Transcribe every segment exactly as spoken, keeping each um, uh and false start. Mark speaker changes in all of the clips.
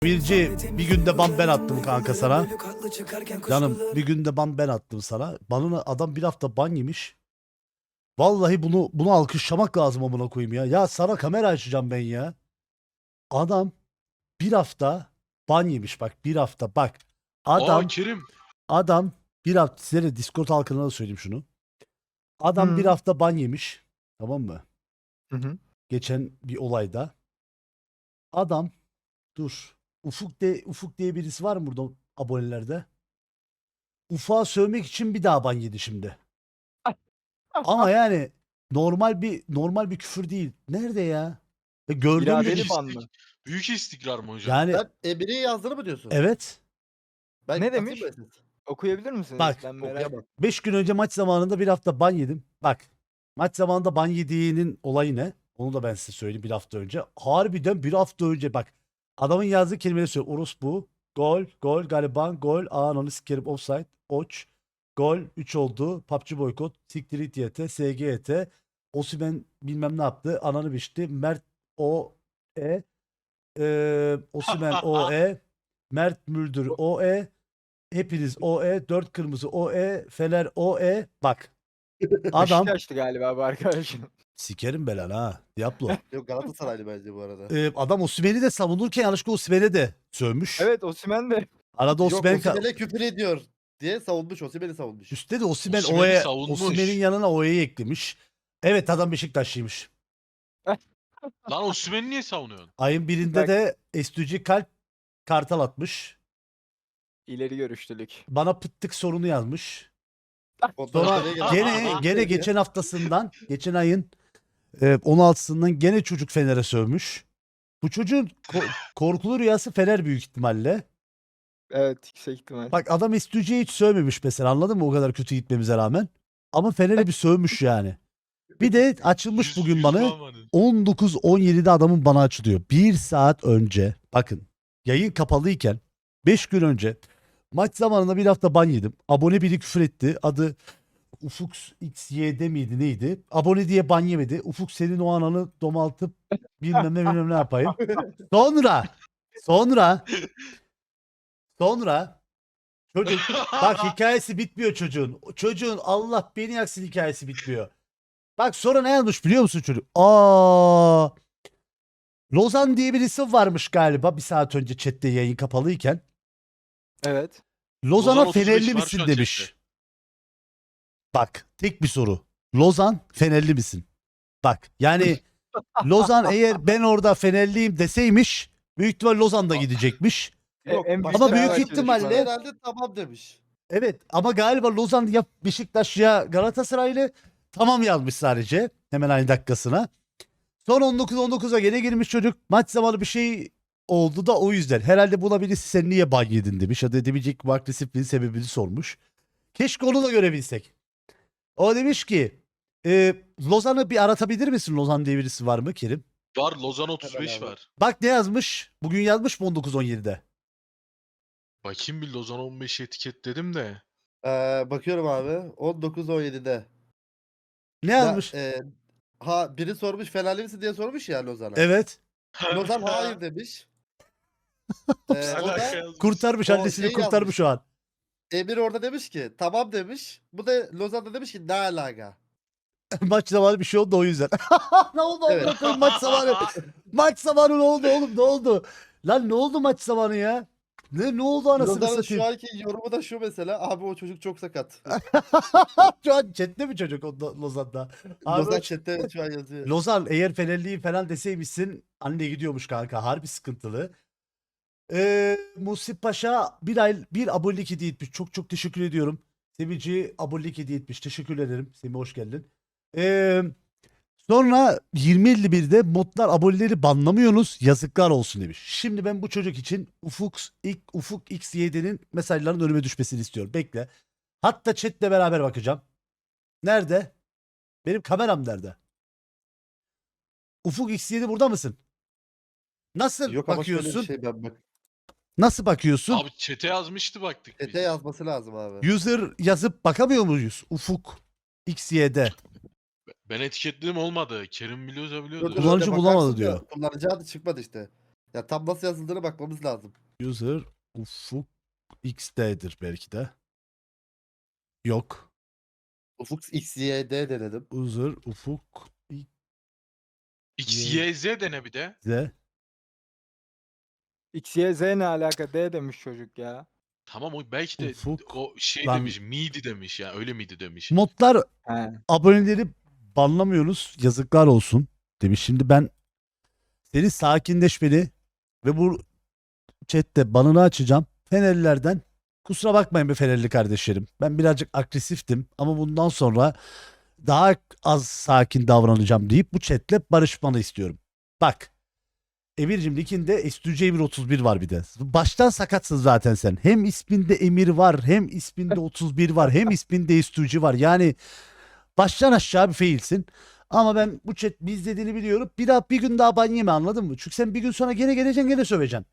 Speaker 1: Birci bir günde ban ben attım kanka sana. Canım bir günde ban ben attım sana. Banına adam bir hafta ban yemiş. Vallahi bunu bunu alkışlamak lazım amına koyayım ya. Ya sana kamera açacağım ben ya. Adam bir hafta ban yemiş bak bir hafta bak.
Speaker 2: Aa
Speaker 1: Adam
Speaker 2: Kerim.
Speaker 1: adam bir hafta size de Discord halkına da söyleyeyim şunu. Adam bir
Speaker 3: Hı.
Speaker 1: hafta ban yemiş. Tamam mı?
Speaker 3: Hı hı.
Speaker 1: Geçen bir olayda. Adam dur. Ufuk de Ufuk diye birisi var mı burada abonelerde? Ufuk'a sövmek için bir daha ban yedi şimdi. Ama yani normal bir normal bir küfür değil. Nerede ya? Ya gördüğüm
Speaker 3: İradeli
Speaker 1: gibi.
Speaker 3: ban mı?
Speaker 2: Büyük istikrar mı hocam?
Speaker 1: Yani
Speaker 4: Sen Emre'ye yazdığını mı diyorsun?
Speaker 1: evet.
Speaker 4: Ben
Speaker 3: Ne
Speaker 4: atayım
Speaker 3: demiş?
Speaker 4: mı ses?
Speaker 3: Okuyabilir misiniz?
Speaker 1: Bak,
Speaker 3: Ben merak
Speaker 4: Okuyamam.
Speaker 1: beş gün önce maç zamanında bir hafta ban yedim. Bak. Maç zamanında ban yediğinin olayı ne? Onu da ben size söyleyeyim bir hafta önce. Harbiden bir hafta önce bak. Adamın yazdığı kelimeleri söylüyor. Orospu, gol, gol, gariban, gol, ananı sikerim, offside, oç, gol, üç oldu, P U B G boykot, siktir it Y T, S G Y T, Osimhen bilmem ne yaptı, ananı biçti, Mert O E, e, Osimhen O E, Mert Müldür O E, hepiniz O E, dört kırmızı O E, Fener O E, bak. Adam
Speaker 3: Beşiktaş'tı galiba bu arkadaş.
Speaker 1: sikerim belanı ha. Diablo.
Speaker 4: Yok Galatasaraylı bence bu arada.
Speaker 1: Ee, adam Osimhen'i de savunurken yanlışlıkla Osimhen'e de sövmüş.
Speaker 3: Evet Osimhen de.
Speaker 1: Arada
Speaker 4: Yok
Speaker 1: Osimhen ka-
Speaker 4: Osimhen'e küfür ediyor diye savunmuş. Osimhen'i savunmuş.
Speaker 1: üstte de Osimhen
Speaker 2: Osimhen'i
Speaker 1: O'ya
Speaker 2: savunmuş.
Speaker 1: Osimhen'in yanına O'yu eklemiş. Evet adam Beşiktaşlıymış.
Speaker 2: Lan Osimhen'i niye savunuyorsun?
Speaker 1: Ayın birinde
Speaker 3: Bak.
Speaker 1: de Estücü kalp kartal atmış.
Speaker 3: İleri görüşlülük.
Speaker 1: Bana pıttık sorunu yazmış.
Speaker 4: Ondan
Speaker 1: Sonra
Speaker 4: oraya geldi.
Speaker 1: gene gene geçen haftasından geçen ayın e, on altısından gene çocuk Fener'e sövmüş. Bu çocuğun ko- korkulu rüyası Fener büyük ihtimalle.
Speaker 3: Evet yüksek ihtimal.
Speaker 1: Bak adam Estücü'ye hiç sövmemiş mesela anladın mı o kadar kötü gitmemize rağmen. Ama Fener'e bir sövmüş yani. Bir de açılmış
Speaker 2: Yüz-
Speaker 1: bugün
Speaker 2: yüz
Speaker 1: bana
Speaker 2: puan var.
Speaker 1: on dokuz on yedide adamın bana açılıyor. Bir saat önce bakın yayın kapalıyken beş gün önce maç zamanında bir hafta ban yedim. Abone biri küfür etti. Adı Ufuk X Y D miydi neydi? Abone diye ban yemedi. Ufuk senin o ananı domaltıp bilmem ne bilmem ne yapayım. Sonra sonra sonra çocuk bak hikayesi bitmiyor çocuğun. Çocuğun Allah beni yaksın hikayesi bitmiyor. Bak sonra ne yazmış biliyor musun çocuk? Aa, Lozan diye birisi varmış galiba bir saat önce chatte yayın kapalıyken.
Speaker 3: Evet.
Speaker 1: Lozan'a
Speaker 2: Lozan otuz beş
Speaker 1: Fenerli
Speaker 2: var
Speaker 1: misin
Speaker 2: şu an
Speaker 1: demiş.
Speaker 2: chatte.
Speaker 1: Bak tek bir soru. Lozan Fenerli misin? Bak yani Lozan eğer ben orada Fenerliyim deseymiş büyük ihtimal Lozan da gidecekmiş.
Speaker 4: Yok,
Speaker 3: en
Speaker 4: başka
Speaker 1: Ama büyük
Speaker 4: Fenerbahçe
Speaker 1: ihtimalle-
Speaker 4: düşmanı herhalde tamam demiş.
Speaker 1: Evet ama galiba Lozan ya Beşiktaş ya Galatasaraylı tamam yazmış sadece hemen aynı dakikasına. Son on dokuz on dokuza gene girmiş çocuk. Maç zamanı bir şey oldu da o yüzden. Herhalde buna birisi sen niye ban yedin demiş. Ya da demeeyecek bu agresifliğin sebebini sormuş. Keşke onu da görebilsek. O demiş ki e, Lozan'ı bir aratabilir misin? Lozan diye birisi var mı Kerim?
Speaker 2: Var Lozan otuz beş
Speaker 4: Hemen abi.
Speaker 2: var.
Speaker 1: Bak ne yazmış? Bugün yazmış mı on dokuz on yedide?
Speaker 2: Bakayım bir Lozan on beş etiketledim de.
Speaker 4: Ee, bakıyorum abi. on dokuz on yedide.
Speaker 1: Ne
Speaker 4: Ya,
Speaker 1: yazmış?
Speaker 4: e, ha biri sormuş Fenerli misin diye sormuş ya Lozan'a.
Speaker 1: Evet.
Speaker 4: Lozan hayır demiş. Ee, o
Speaker 2: Alaka
Speaker 4: da
Speaker 2: yazmış.
Speaker 1: Kurtarmış
Speaker 4: O
Speaker 1: annesini
Speaker 4: şey
Speaker 1: kurtarmış
Speaker 4: yazmış.
Speaker 1: şu an.
Speaker 4: Emir orada demiş ki tamam demiş. Bu da Lozan da demiş ki ne alaka.
Speaker 1: Maç zamanı bir şey oldu o yüzden. Ne oldu
Speaker 4: Evet.
Speaker 1: amına koyayım maç zamanı? Maç zamanı ne oldu oğlum ne oldu? Lan ne oldu maç zamanı ya? Ne ne oldu anasını
Speaker 4: Lozan'ın
Speaker 1: satayım?
Speaker 4: şu anki yorumu da şu mesela. Abi o çocuk çok sakat.
Speaker 1: Şu an chatte mi çocuk o Lo- Lozan'da? Abi
Speaker 4: Lozan
Speaker 1: o-
Speaker 4: chatte şu an yazıyor.
Speaker 1: Lozan eğer Fenerliyim falan deseymişsin anne gidiyormuş kanka harbi sıkıntılı. Ee, Musip Paşa bir ay bir abonelik hediye etmiş. Çok çok teşekkür ediyorum. Sevinci abonelik hediye etmiş. Teşekkür ederim. Semih hoş geldin. Ee, sonra yirmi elli birde modlar aboneleri banlamıyorsunuz. Yazıklar olsun demiş. Şimdi ben bu çocuk için Ufuk ilk Ufuk X Y D'nin mesajların önüme düşmesini istiyorum. Bekle. Hatta chatle beraber bakacağım. Nerede? Benim kameram nerede? Ufuk X yedi burada mısın? Nasıl
Speaker 4: Yok ama şöyle
Speaker 1: bakıyorsun?
Speaker 4: bir şey ben bak.
Speaker 1: Nasıl bakıyorsun?
Speaker 2: Abi chat'e yazmıştı baktık biz.
Speaker 4: Chat'e yazması lazım abi.
Speaker 1: User yazıp bakamıyor muyuz? Ufuk X Y'de.
Speaker 2: Ben etiketledim olmadı. Kerim biliyorsa
Speaker 4: Dur,
Speaker 2: biliyordu.
Speaker 4: dur,
Speaker 1: Kullanıcı
Speaker 4: öyle
Speaker 1: bulamadı
Speaker 4: bakarsın da
Speaker 1: diyor.
Speaker 4: Kullanıcı adı çıkmadı işte. Ya tam nasıl yazıldığına bakmamız lazım.
Speaker 1: User Ufuk X D'dir belki de. Yok.
Speaker 4: Ufuk X Y D denedim.
Speaker 1: User Ufuk
Speaker 2: X,
Speaker 1: Ye-
Speaker 2: Y, Z dene bir de.
Speaker 1: Z.
Speaker 3: X, Y, Z ne alaka? D demiş çocuk ya.
Speaker 2: Tamam o belki de
Speaker 1: Ufuk.
Speaker 2: o şey
Speaker 1: Lan-
Speaker 2: demiş. Miydi demiş ya. Öyle miydi demiş.
Speaker 1: Modlar
Speaker 3: He.
Speaker 1: aboneleri banlamıyoruz. Yazıklar olsun demiş. Şimdi ben seni sakinleşmeni ve bu chatte banını açacağım. Fenerlilerden kusura bakmayın be Fenerli kardeşlerim. Ben birazcık agresiftim ama bundan sonra daha az sakin davranacağım deyip bu chatle barışmanı istiyorum. Bak. Emir'cim linkinde Estücü Emir otuz bir var bir de. Baştan sakatsın zaten sen. Hem isminde Emir var, hem isminde otuz bir var, hem isminde Estücü var. Yani baştan aşağı bir failsin. Ama ben bu chat biz dediğini biliyorum. Bir daha bir gün daha ban yeme, anladın mı? Çünkü sen bir gün sonra gene geleceksin, gene söveceksin.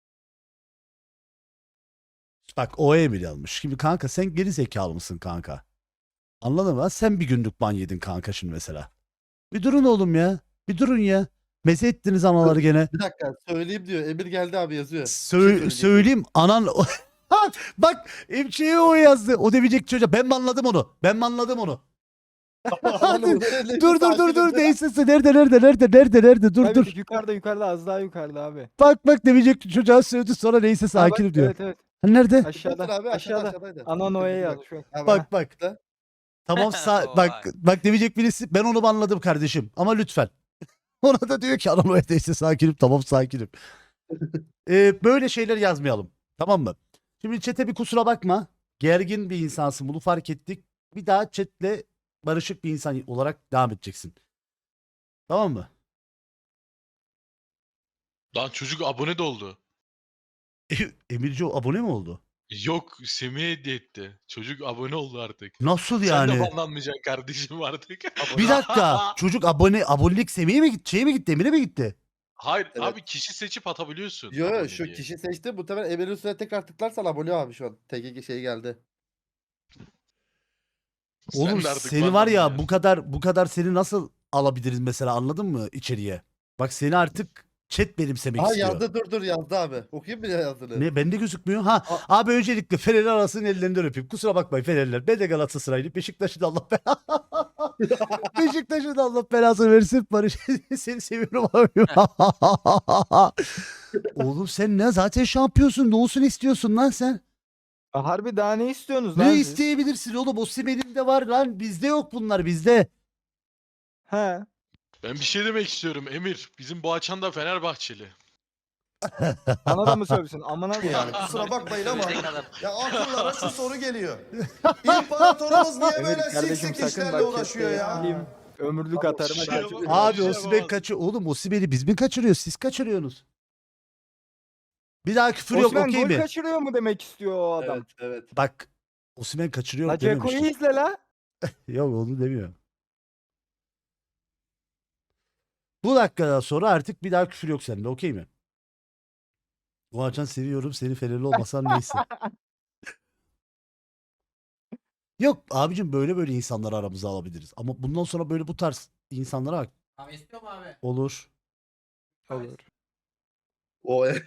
Speaker 1: Bak o Emir yazmış. Şimdi kanka sen geri zekalı mısın kanka? Anladın mı? Sen bir günlük ban yedin kanka şimdi mesela. Bir durun oğlum ya. Bir durun ya. Meze ettiniz anaları gene.
Speaker 4: Bir dakika söyleyeyim diyor. Emir geldi abi yazıyor. Bir şey
Speaker 1: Sö-
Speaker 4: söyleyecek.
Speaker 1: söyleyeyim anan Ha, bak Emçe'ye o yazdı. O demeyecek çocuğa. Ben mi anladım onu? Ben mi anladım onu?
Speaker 4: Anladım.
Speaker 1: Dur dur dur dur neyse nerede nerede nerede nerede nerede dur
Speaker 3: Tabii
Speaker 1: dur.
Speaker 3: ki yukarıda yukarıda az daha yukarıda abi.
Speaker 1: Bak bak demeyecek çocuğa sövdü sonra neyse
Speaker 3: Ha, bak,
Speaker 1: sakinim diyor.
Speaker 3: Evet evet.
Speaker 1: Ha, nerede?
Speaker 3: Aşağıda.
Speaker 4: Abi aşağıda
Speaker 3: aşağıda.
Speaker 4: aşağıdaydı.
Speaker 3: Ana Noe yazmış. bak.
Speaker 4: Abi,
Speaker 1: Bak bak.
Speaker 4: ha.
Speaker 1: Tamam sağ bak bak demeyecek birisi ben onu anladım kardeşim ama lütfen. Ona da diyor ki anan o neyse sakinim tamam sakinim. Ee, böyle şeyler yazmayalım. Tamam mı? Şimdi chat'e bir kusura bakma. Gergin bir insansın bunu fark ettik. Bir daha chat'le barışık bir insan olarak devam edeceksin. Tamam mı?
Speaker 2: Lan çocuk abone de oldu.
Speaker 1: Emirci abone mi oldu?
Speaker 2: Yok Semih'e hediye etti. Çocuk abone oldu artık.
Speaker 1: Nasıl
Speaker 2: Sen de
Speaker 1: yani?
Speaker 2: banlanmayacaksın kardeşim artık.
Speaker 1: Bir dakika. Çocuk abone abonelik seviyeye mi gitti? Şeye mi gitti? Emir'e mi gitti?
Speaker 2: Hayır
Speaker 4: Evet.
Speaker 2: abi kişi seçip atabiliyorsun.
Speaker 4: Yo yo
Speaker 2: abone
Speaker 4: şu
Speaker 2: diye.
Speaker 4: kişi seçti. Muhtemelen Emir'in üstüne tekrar tıklarsan abone abi şu an. T G G şey geldi.
Speaker 2: Sen
Speaker 1: Oğlum
Speaker 2: de artık
Speaker 1: seni var ya
Speaker 2: banlanmayacaksın.
Speaker 1: bu kadar bu kadar seni nasıl alabiliriz mesela anladın mı içeriye? Bak seni artık chat benimsemek
Speaker 4: Aha
Speaker 1: istiyor.
Speaker 4: yazdı dur dur yazdı abi. Okuyayım mı ya yazdığını?
Speaker 1: Ne bende gözükmüyor. Ha
Speaker 4: A-
Speaker 1: abi öncelikle Fenerli arasının ellerinden öpeyim. Kusura bakmayın Fenerliler. Ben de Galatasaraylıyım. Beşiktaş'ın da Allah belasını. Beşiktaş'ın da Allah belasını versin. Barış seni seviyorum abi. Oğlum sen ne zaten şampiyonsun. Ne olsun istiyorsun lan sen?
Speaker 3: Ha, Harbi daha ne istiyorsunuz lan
Speaker 1: Ne
Speaker 3: siz?
Speaker 1: isteyebilirsin oğlum? Osimhen'in de var lan. Bizde yok bunlar bizde.
Speaker 3: He.
Speaker 2: Ben bir şey demek istiyorum Emir. Bizim bu açan da Fenerbahçeli.
Speaker 3: Bana da mı sövsün? Amına
Speaker 5: Yani
Speaker 3: koyayım.
Speaker 5: kusura bakmayın ama ya akıllara şu soru geliyor. İmparatorumuz niye
Speaker 3: Evet
Speaker 5: böyle
Speaker 3: kardeşim
Speaker 5: siksik
Speaker 3: sakın
Speaker 5: işlerle
Speaker 3: bak
Speaker 5: uğraşıyor
Speaker 3: chatte
Speaker 5: ya?
Speaker 3: bileyim, ömürlük atarım.
Speaker 2: şey
Speaker 3: hadi.
Speaker 2: yapamam.
Speaker 1: Abi
Speaker 2: şey
Speaker 1: Osimhen
Speaker 2: yapamaz.
Speaker 1: kaçıyor. Oğlum Osimhen'i biz mi kaçırıyoruz? Siz kaçırıyorsunuz. Bir daha küfür yok
Speaker 3: Osimhen
Speaker 1: okey
Speaker 3: gol
Speaker 1: mi?
Speaker 3: kaçırıyor mu demek istiyor o adam?
Speaker 4: Evet evet.
Speaker 1: Bak Osimhen kaçırıyor
Speaker 3: La Ceko'yu
Speaker 1: dememiştir.
Speaker 3: izle la.
Speaker 1: Yok onu demiyor. Bu dakikadan sonra artık bir daha küfür yok sende okey mi? Boğaçan seviyorum seni Fenerli olmasan neyse. Yok abicim böyle böyle insanları aramıza alabiliriz. Ama bundan sonra böyle bu tarz insanlara bak.
Speaker 6: Abi istiyor mu abi?
Speaker 1: Olur.
Speaker 3: Olur.
Speaker 4: O
Speaker 1: Lan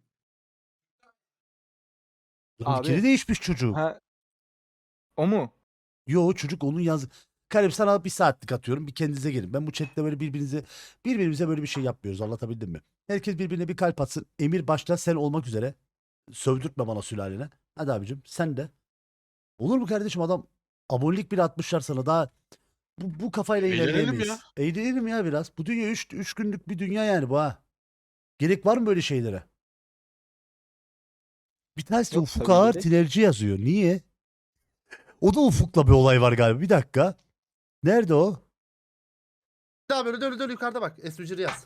Speaker 3: Abi.
Speaker 1: fikri değişmiş çocuk.
Speaker 3: Ha. O mu?
Speaker 1: Yo çocuk onun yazdı. Karim sana bir saatlik atıyorum. Bir kendinize gelin. Ben bu chatte böyle birbirinize birbirimize böyle bir şey yapmıyoruz. Anlatabildim mi? Herkes birbirine bir kalp atsın. Emir başta sen olmak üzere. Sövdürtme bana sülalene. Hadi abicim sen de. Olur mu kardeşim adam abonelik bile atmışlar sana daha bu, bu kafayla
Speaker 2: Eğlenelim
Speaker 1: ilerleyemeyiz.
Speaker 2: ya.
Speaker 1: Eğlenelim ya biraz. Bu dünya üç üç günlük bir dünya yani bu ha. Gerek var mı böyle şeylere? Bir tanesi de
Speaker 3: Yok,
Speaker 1: Ufuk
Speaker 3: tabii
Speaker 1: Ağar
Speaker 3: gerek.
Speaker 1: Tinerci yazıyor. Niye? O da Ufuk'la bir olay var galiba. Bir dakika. Nerede o?
Speaker 4: Daha böyle dön dön yukarıda bak. Esrucuru yaz.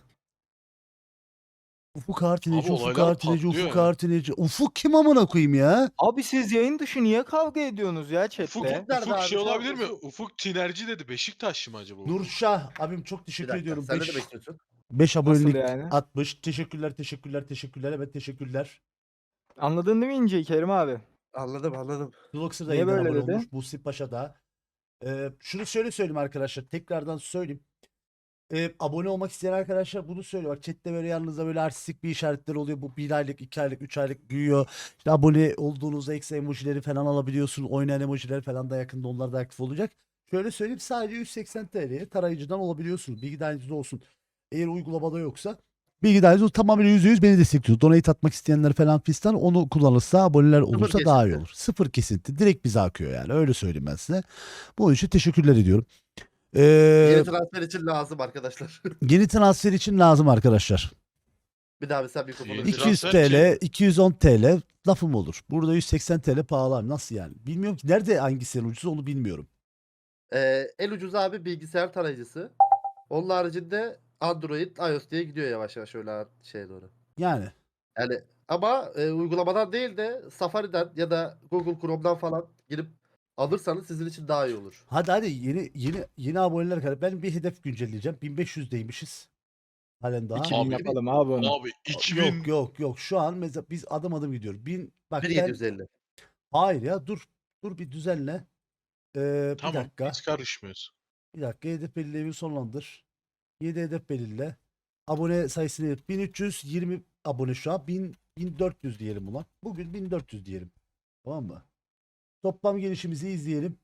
Speaker 1: Ufuk Artineci,
Speaker 2: Abi
Speaker 1: Ufuk
Speaker 2: olaylar
Speaker 1: Artineci,
Speaker 2: patlıyor
Speaker 1: Ufuk
Speaker 2: ya.
Speaker 1: Artineci. Ufuk kim amına koyayım ya?
Speaker 3: Abi siz yayın dışı niye kavga ediyorsunuz ya chatte?
Speaker 2: Ufuk,
Speaker 4: Nerede
Speaker 2: Ufuk
Speaker 4: abi?
Speaker 2: şey
Speaker 4: Şu an
Speaker 2: olabilir mi?
Speaker 4: Ufuk-
Speaker 2: Ufuk Tinerci dedi. Beşiktaşlı mı acaba? Ufuk?
Speaker 1: Nurşah abim çok
Speaker 4: Bir
Speaker 1: teşekkür
Speaker 4: dakika.
Speaker 1: ediyorum.
Speaker 4: Sen ne
Speaker 1: beş
Speaker 4: demek istiyorsun?
Speaker 1: beş abonelik
Speaker 3: yani?
Speaker 1: atmış. Teşekkürler, teşekkürler, teşekkürler. Evet teşekkürler.
Speaker 3: Anladın değil mi İnce'yi Kerim abi?
Speaker 4: Anladım anladım.
Speaker 1: Luxer da
Speaker 3: Niye
Speaker 1: yeniden
Speaker 3: böyle
Speaker 1: abone
Speaker 3: dedi?
Speaker 1: olmuş. Busi Paşa da. Ee, şunu şöyle söyleyeyim arkadaşlar. Tekrardan söyleyeyim. e, abone olmak isteyen arkadaşlar bunu söylüyor. Bak chatte böyle yanınızda böyle artistik bir işaretler oluyor. Bu bir aylık, iki aylık, üç aylık büyüyor. İşte abone olduğunuzda ekstra emojileri falan alabiliyorsun. Oynayan emojiler falan da yakında onlar da aktif olacak. Şöyle söyleyeyim sadece yüz seksen T L'ye tarayıcıdan olabiliyorsunuz. Bilgi dahilinizde olsun. Eğer uygulamada yoksa bilgi dahilinizde tamamen yüzde yüz beni destekliyor. Donate atmak isteyenler falan fistan onu kullanırsa aboneler olursa daha iyi
Speaker 4: kesinti.
Speaker 1: olur. Sıfır kesinti. Direkt bize akıyor yani. Öyle söyleyeyim ben size. Bunun için teşekkürler ediyorum. Ee,
Speaker 4: Yeni transfer için lazım arkadaşlar.
Speaker 1: Yeni transfer için lazım arkadaşlar.
Speaker 4: Bir daha mesela mikrofonu.
Speaker 2: Yeni
Speaker 1: iki yüz
Speaker 2: transfer
Speaker 1: T L,
Speaker 2: kim?
Speaker 1: iki yüz on T L lafım olur. Burada yüz seksen T L pahalı abi. Nasıl yani? Bilmiyorum ki nerede hangisi en ucuz onu bilmiyorum.
Speaker 4: Ee, en ucuz abi bilgisayar tarayıcısı. Onun haricinde Android, iOS diye gidiyor yavaş yavaş öyle şeye doğru.
Speaker 1: Yani
Speaker 4: Yani ama e, uygulamadan değil de Safari'den ya da Google Chrome'dan falan girip alırsanız sizin için daha iyi olur.
Speaker 1: hadi hadi yeni yeni yeni aboneler kadar ben bir hedef güncelleyeceğim. bin beş yüzdeymişiz. Halen daha.
Speaker 3: iki bin
Speaker 2: Abi,
Speaker 3: yapalım abi onu.
Speaker 2: Abi iki bin
Speaker 1: Yok yok yok şu an mesela biz adım adım gidiyoruz. bin bak ben
Speaker 4: bin yedi yüz elli.
Speaker 1: hayır ya dur dur bir düzenle. Ee, bir
Speaker 2: tamam
Speaker 1: dakika.
Speaker 2: biz karışmıyoruz.
Speaker 1: Bir dakika hedef belirlemeyi sonlandır. yedi hedef belirle. Abone sayısını bin üç yüz yirmi abone şu an. bin, bin dört yüz diyelim ulan. Bugün bin dört yüz diyelim. Tamam mı? Toplam gelişimizi izleyelim.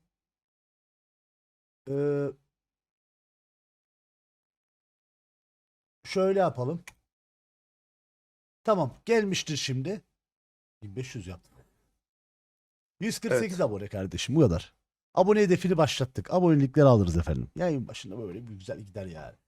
Speaker 1: Ee, şöyle yapalım. Tamam gelmiştir şimdi. bin beş yüz yaptık. yüz kırk sekiz
Speaker 4: Evet.
Speaker 1: abone kardeşim bu kadar. Abone hedefini başlattık. Abonelikleri alırız efendim. Yayın başında böyle bir güzel gider yani.